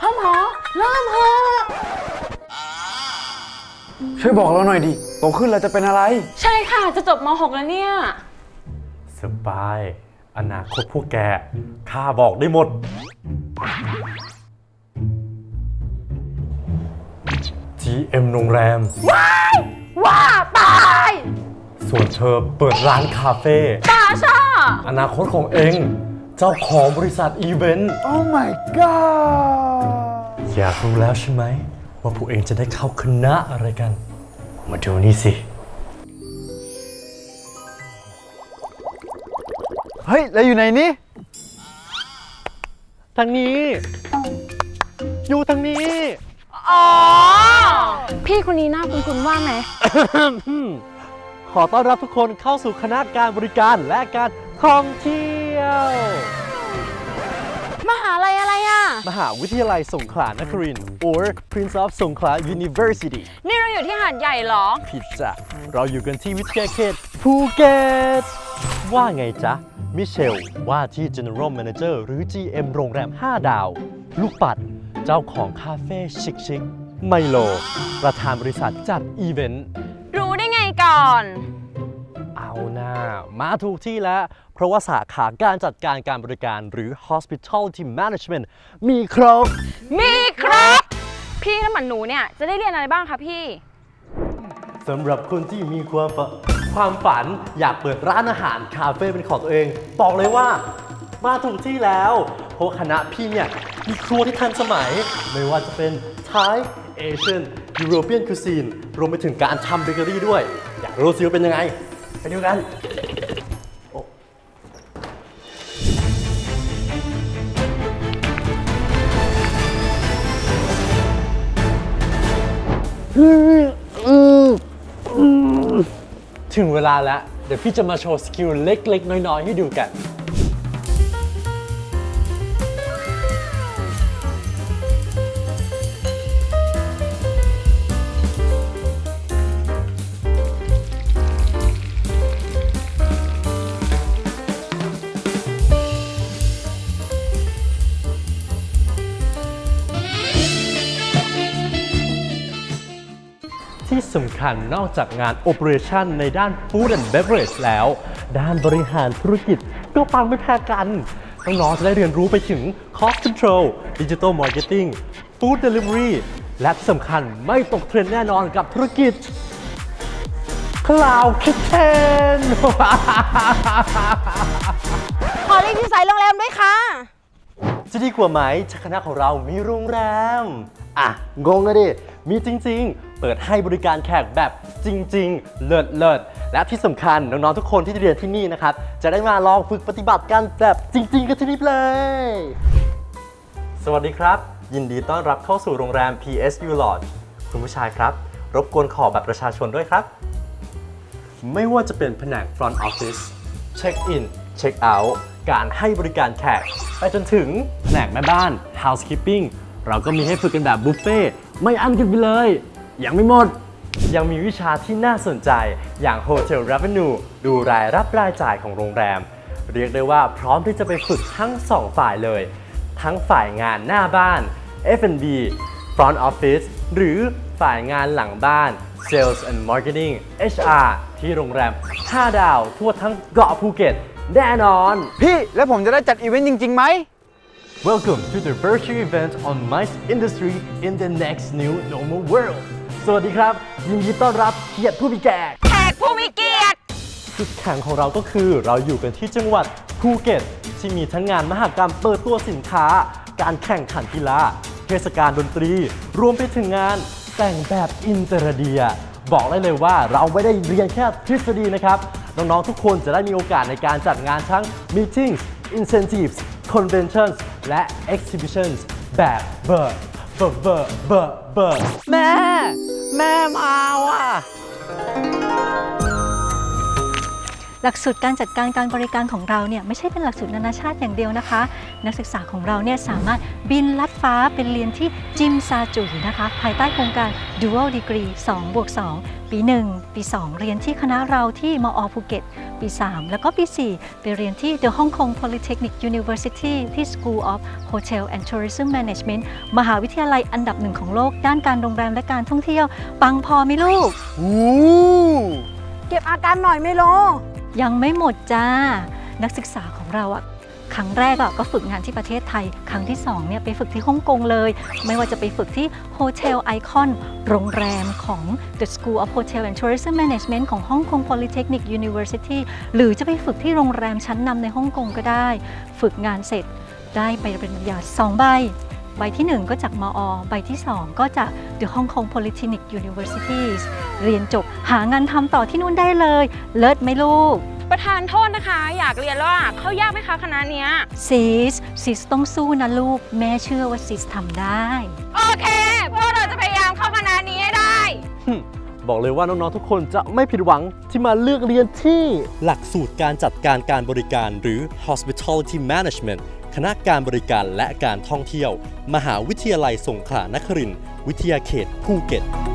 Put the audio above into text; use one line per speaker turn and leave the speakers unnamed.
พ่อหมอเริ่มเถอะ
ช่วยบอกเราหน่อยดิโตขึ้นเราจะเป็นอะไร
ใช่ค่ะจะจบม .6 แล้วเนี่ย
สบาย อนาคตพวกแกข้าบอกได้หมด GM โรงแรม
ว่าตาย
ส่วนเธอเปิดร้านคาเฟ่
ตาช่า
อนาคตของเอง เจ้าของบริษัทอีเวนต์
Oh my god
อยากรู้แล้วใช่ไหม ว่าพวกเองจะได้เข้าคณะอะไรกัน มาดูนี่สิ
เฮ้ยเราอยู่ไหนนี่
ทางนี้ อยู่ทางนี้
อ๋อพี่คนนี้หน้าคุ้นๆว่าไหม
ขอต้อนรับทุกคนเข้าสู่คณะการบริการและการท่องเที่ยว
มหาลัยอะไรอ่ะ
มหาวิทยาลัยสงขลานครินทร์ or Prince of Songkhla University
นี่เราอยู่ที่หาดใหญ่เหรอ
ผิดจ้ะเราอยู่กันที่วิทยาเขตภูเก็ต ว่าไงจ๊ะ มิเชล ว่าที่ General Manager หรือ GM โรงแรม 5 ดาว ลูกปัด เจ้าของคาเฟ่ชิคๆไมโล ประธานบริษัทจัดอีเวนต์
รู้ได้ไงก่อน
เอาหน้ามาถูกที่แล้ว เพราะว่าสาขาการจัดการการบริการหรือ Hospitality Management มีครบ
มีครับ พี่และหมันหนูเนี่ยจะได้เรียนอะไรบ้างคะพี่
สำหรับคนที่มีความฝันอยากเปิดร้านอาหารคาเฟ่เป็นของตัวเอง บอกเลยว่ามาถูกที่แล้ว เพราะคณะพี่เนี่ยมีครัวที่ทันสมัย ไม่ว่าจะเป็น Thai Asian European Cuisine รวมไปถึงการทำเบเกอรี่ด้วย อยากรู้สิว่าเป็นยังไง ไปดูกัน ถึงเวลาแล้ว เดี๋ยวพี่จะมาโชว์สกิลเล็กๆ น้อยๆ ให้ดูกัน ที่สำคัญนอกจากงาน Operation ในด้าน Food and Beverage แล้ว ด้านบริหารธุรกิจก็ปังไม่แพ้กันน้องๆจะได้เรียนรู้ไปถึง Cost Control Digital Marketing Food Delivery และที่สำคัญไม่ตกเทรนด์แน่นอนกับธุรกิจ Cloud Kitchen
ขอเรียกที่สายโรงแรมด้วยค่ะ
จะดีกว่าไหมถ้าคณะของเรามีโรงแรม อ่ะ งงอะดิ มีจริงๆ เปิดให้บริการแขกแบบจริงๆ เลิศและที่สำคัญน้องๆ ทุกคนที่เรียนที่นี่นะครับ จะได้มาลองฝึกปฏิบัติกันแบบจริงๆ กันที่นี่เลย สวัสดีครับ ยินดีต้อนรับเข้าสู่โรงแรม PSU Lodge คุณผู้ชายครับ รบกวนขอบัตรประชาชนด้วยครับ ไม่ว่าจะเป็นแผนก Front Office Check In Check Out การให้บริการแขกไปจนถึงแผนกแม่บ้าน Housekeeping เราก็มีให้ฝึกกันแบบบุฟเฟ่ต์ไม่อั้นกันไปเลย ยังไม่หมด ยังมีวิชาที่น่าสนใจอย่าง Hotel Revenue ดูรายรับรายจ่ายของโรงแรม เรียกได้ว่าพร้อมที่จะไปฝึกทั้ง 2 ฝ่ายเลย ทั้งฝ่ายงานหน้าบ้าน F&B Front Office หรือฝ่ายงานหลังบ้าน Sales and Marketing HR ที่โรงแรม 5 ดาวทั่วทั้งเกาะภูเก็ตแน่นอน
พี่แล้วผมจะได้จัดอีเวนต์จริงๆไหม
Welcome to the virtual event on MICE Industry in the next new normal world สวัสดีครับ ยินดีต้อนรับเกียรติผู้มีแก่
แขกผู้มีเกียรติ
จุดแข็งของเราก็คือเราอยู่กันที่จังหวัดภูเก็ตที่มีทั้งงานมหกรรมเปิดตัวสินค้า การแข่งขันกีฬาเทศกาลดนตรี รวมไปถึงงานแต่งแบบอินเตอร์เดีย บอกได้เลยว่าเราไม่ได้เรียนแค่ทฤษฎีนะครับ น้องๆทุกคนจะได้มีโอกาสในการจัดงานทั้ง Meetings Incentives Conventions และ Exhibitions แบบเบอร์แม่มาว่ะ
หลักสูตรการจัดการการบริการของเราเนี่ยไม่ใช่เป็นหลักสูตรนานาชาติอย่างเดียวนะคะ นักศึกษาของเราเนี่ยสามารถบินลัดฟ้าเป็นเรียนที่จิมซาจุยนะคะภายใต้โครงการ Dual Degree 2+2 ปี 1 ปี 2 เรียนที่คณะเราที่มอภูเก็ตปี 3 แล้วก็ปี 4 ไปเรียนที่ The Hong Kong Polytechnic University ที่ School of Hotel and Tourism Management มหาวิทยาลัยอันดับหนึ่งของโลกด้านการโรงแรมและการท่องเที่ยวปังพอไหมลูก
เก็บอาการหน่อยไม่รอ
ยังไม่หมดจ้า นักศึกษาของเราอะครั้งแรกก็ฝึกงานที่ประเทศไทย ครั้งที่2เนี่ยไปฝึกที่ฮ่องกงเลย ไม่ว่าจะไปฝึกที่ Hotel Icon โรงแรมของ The School of Hotel and Tourism Management ของ Hong Kong Polytechnic University หรือจะไปฝึกที่โรงแรมชั้นนำในฮ่องกงก็ได้ ฝึกงานเสร็จได้ใบปริญญา2 ใบ ใบที่ 1 ก็จากมอ ใบที่ 2 ก็จาก The Hong Kong Polytechnic Universities เรียนจบหางานทำต่อที่นู่นได้เลย เลิศไหมลูก
ประธานโทษนะคะ อยากเรียนแล้วอะเข้ายากไหมคะคณะเนี้ย
ซิสต้องสู้นะลูก แม่เชื่อว่าซิสทำได้
โอเค พวกเราจะพยายามเข้าคณะนี้ให้ได้
บอกเลยว่าน้องๆทุกคนจะไม่ผิดหวังที่มาเลือกเรียนที่หลักสูตรการจัดการการบริการหรือ Hospitality Management คณะการบริการและการท่องเที่ยว มหาวิทยาลัยสงขลานครินทร์วิทยาเขตภูเก็ต